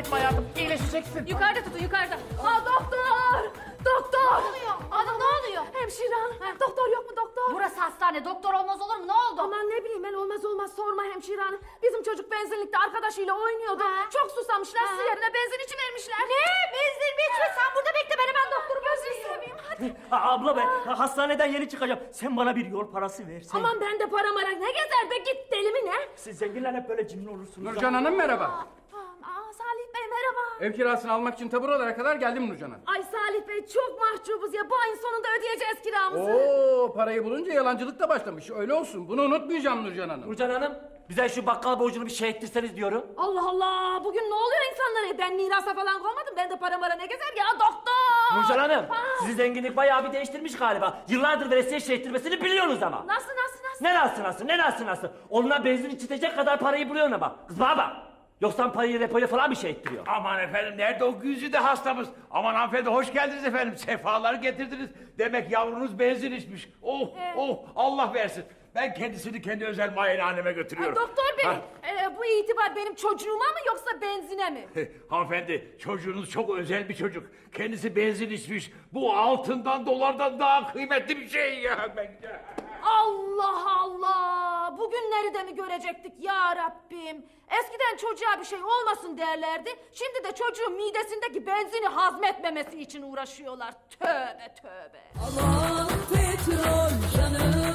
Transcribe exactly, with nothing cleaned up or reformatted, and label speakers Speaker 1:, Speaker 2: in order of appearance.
Speaker 1: etme hayatım. İyileşeceksin.
Speaker 2: Yukarıda tutun yukarıda. Ha doktor! Doktor!
Speaker 3: Ne oluyor? Ana ne oluyor?
Speaker 2: Hemşire hanım. Doktor yok mu doktor?
Speaker 3: Burası hastane. Doktor olmaz olur mu? Ne oldu?
Speaker 2: Aman ne bileyim ben olmaz olmaz sorma hemşire hanım. Bizim çocuk benzinlikte arkadaşıyla oynuyordu.
Speaker 3: Ha.
Speaker 2: Çok susamışlar
Speaker 3: Ha.
Speaker 2: su yerine benzin içi vermişler.
Speaker 3: Ne? Benzin mi içme? Sen burada bekle, ben hemen doktoru
Speaker 2: Gözünü
Speaker 3: göstereyim.
Speaker 2: seveyim hadi.
Speaker 4: Ha, abla be, hastaneden yeni çıkacağım. Sen bana bir yol parası versen.
Speaker 2: Aman ben de para mara ne gezer be git deli mi ne?
Speaker 4: Siz zenginler hep böyle cimri olursunuz.
Speaker 5: Nurcan Hanım merhaba.
Speaker 2: Aa Salih Bey merhaba.
Speaker 5: Ev kirasını almak için ta buralara kadar geldim Nurcan Hanım.
Speaker 2: Ay Salih Bey çok mahcubuz ya bu ayın sonunda ödeyeceğiz kiramızı.
Speaker 5: Oo, parayı bulunca yalancılık da başlamış. Öyle olsun. Bunu unutmayacağım Nurcan Hanım.
Speaker 4: Nurcan Hanım, bize şu bakkal borcunu bir şey ettirseniz diyorum.
Speaker 2: Allah Allah bugün ne oluyor insanlara? Ben mirasa falan koymadım. Ben de para mara ne gezer ya doktor.
Speaker 4: Nurcan Hanım,
Speaker 2: Ha.
Speaker 4: sizi zenginlik bayağı bir değiştirmiş galiba. Yıllardır veresiye şey ettirmesini biliyorsunuz ama.
Speaker 2: Nasıl nasıl nasıl?
Speaker 4: Ne nasıl nasıl, ne nasıl nasıl? Onunla benzin içitecek kadar parayı buluyorsun ama. Kız bana bak. Yoksa parayı repoya falan bir şey ettiriyor.
Speaker 1: Aman efendim nerede o güzide hastamız? Aman hanımefendi hoş geldiniz efendim. Sefalar getirdiniz. Demek yavrunuz benzin içmiş. Oh oh Allah versin. Ben kendisini kendi özel muayenehaneme götürüyorum.
Speaker 2: Doktor bey
Speaker 1: Ha.
Speaker 2: e, bu itibar benim çocuğuma mı yoksa benzine mi?
Speaker 1: Hanımefendi çocuğunuz çok özel bir çocuk. Kendisi benzin içmiş. Bu altından dolardan daha kıymetli bir şey ya. Ben...
Speaker 2: Allah Allah! Bugünleri de mi görecektik ya Rabbim? Eskiden çocuğa bir şey olmasın derlerdi. Şimdi de çocuğun midesindeki benzini hazmetmemesi için uğraşıyorlar. Tövbe tövbe.
Speaker 6: Aman petrol canım